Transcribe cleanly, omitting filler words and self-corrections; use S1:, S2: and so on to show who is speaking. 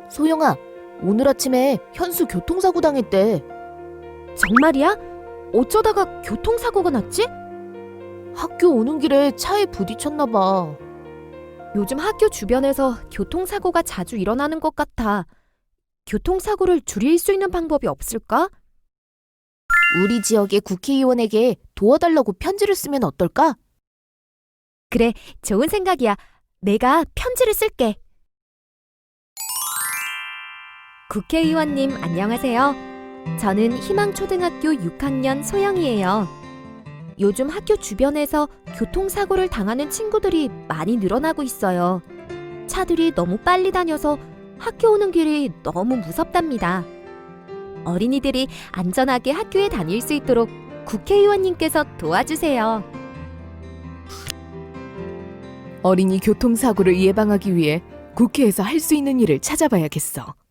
S1: 소영아, 오늘 아침에 현수 교통사고 당했대.
S2: 정말이야? 어쩌다가 교통사고가 났지?
S1: 학교 오는 길에 차에 부딪혔나 봐.
S2: 요즘 학교 주변에서 교통사고가 자주 일어나는 것 같아. 교통사고를 줄일 수 있는 방법이 없을까?
S1: 우리 지역의 국회의원에게 도와달라고 편지를 쓰면 어떨까?
S2: 그래, 좋은 생각이야. 내가 편지를 쓸게. 국회의원님, 안녕하세요. 저는 희망초등학교 6학년 소영이에요. 요즘 학교 주변에서 교통사고를 당하는 친구들이 많이 늘어나고 있어요. 차들이 너무 빨리 다녀서 학교 오는 길이 너무 무섭답니다. 어린이들이 안전하게 학교에 다닐 수 있도록 국회의원님께서 도와주세요.
S1: 어린이 교통사고를 예방하기 위해 국회에서 할 수 있는 일을 찾아봐야겠어.